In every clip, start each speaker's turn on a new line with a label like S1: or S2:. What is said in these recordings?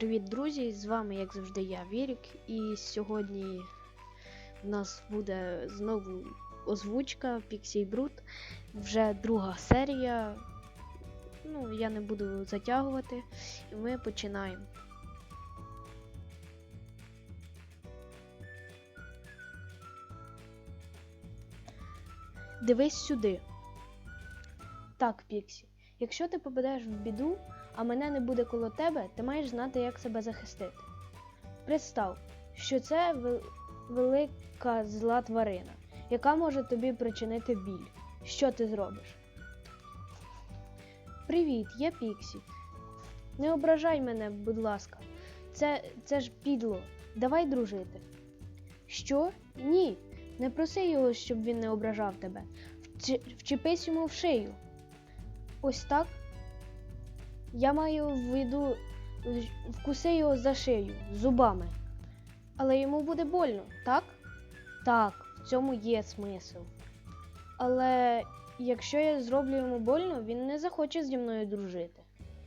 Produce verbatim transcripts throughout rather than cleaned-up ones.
S1: Привіт, друзі! З вами, як завжди, я, Вірік, і сьогодні в нас буде знову озвучка Pixie Brute, вже друга серія. Ну, я не буду затягувати, і ми починаємо. Дивись сюди. Так, Піксі, якщо ти попадеш в біду, а мене не буде коло тебе, ти маєш знати, як себе захистити. Представ, що це вел... велика зла тварина, яка може тобі причинити біль. Що ти зробиш? Привіт, я Піксі. Не ображай мене, будь ласка. Це, це ж підло. Давай дружити. Що? Ні. Не проси його, щоб він не ображав тебе. Вч... Вчепись йому в шию. Ось так? Я маю в виду, вкуси його за шию, зубами. Але йому буде больно, так? Так, в цьому є смисл. Але якщо я зроблю йому больно, він не захоче зі мною дружити.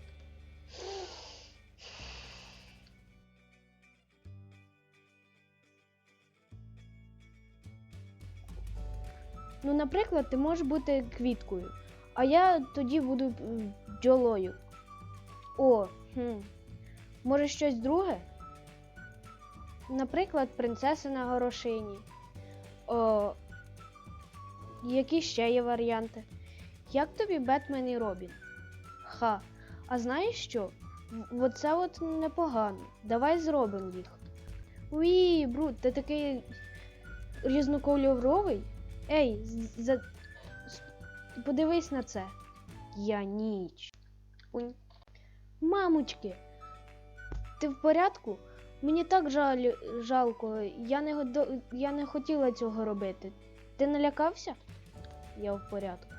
S1: Ну, наприклад, ти можеш бути квіткою, а я тоді буду бджолою. О, хм. Може щось друге? Наприклад, принцеса на горошині. О, які ще є варіанти? Як тобі Бетмен і Робін? Ха, а знаєш що? Оце от непогано. Давай зробимо їх. Уї, Брут, ти такий різнокольоровий? Ей, за... подивись на це. Я ніч. Унь. Мамочки, ти в порядку? Мені так жаль, жалко, я не, я не хотіла цього робити. Ти налякався? Я в порядку.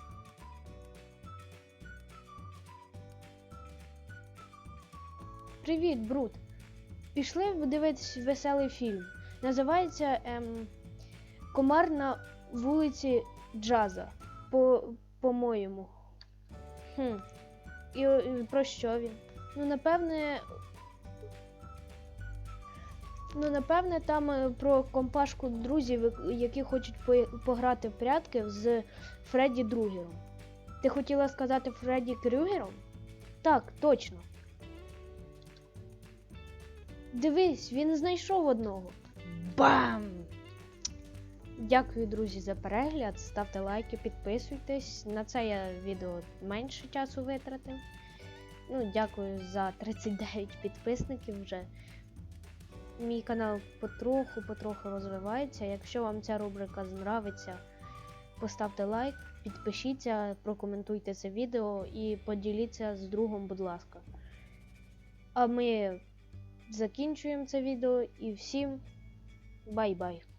S1: Привіт, Брут. Пішли подивитись веселий фільм. Називається ем, «Комар на вулиці Джаза». По, по-моєму. Хм. І, і про що він? Ну, напевне... Ну, напевне, там про компашку друзів, які хочуть пограти в прятки з Фредді Другером. Ти хотіла сказати Фредді Крюгером? Так, точно. Дивись, він знайшов одного. Бам! Дякую, друзі, за перегляд. Ставте лайки, підписуйтесь. На це я відео менше часу витратив. Ну, дякую за тридцять дев'ять підписників вже. Мій канал потроху-потроху розвивається. Якщо вам ця рубрика нравиться, поставте лайк, підпишіться, прокоментуйте це відео і поділіться з другом, будь ласка. А ми закінчуємо це відео і всім бай-бай!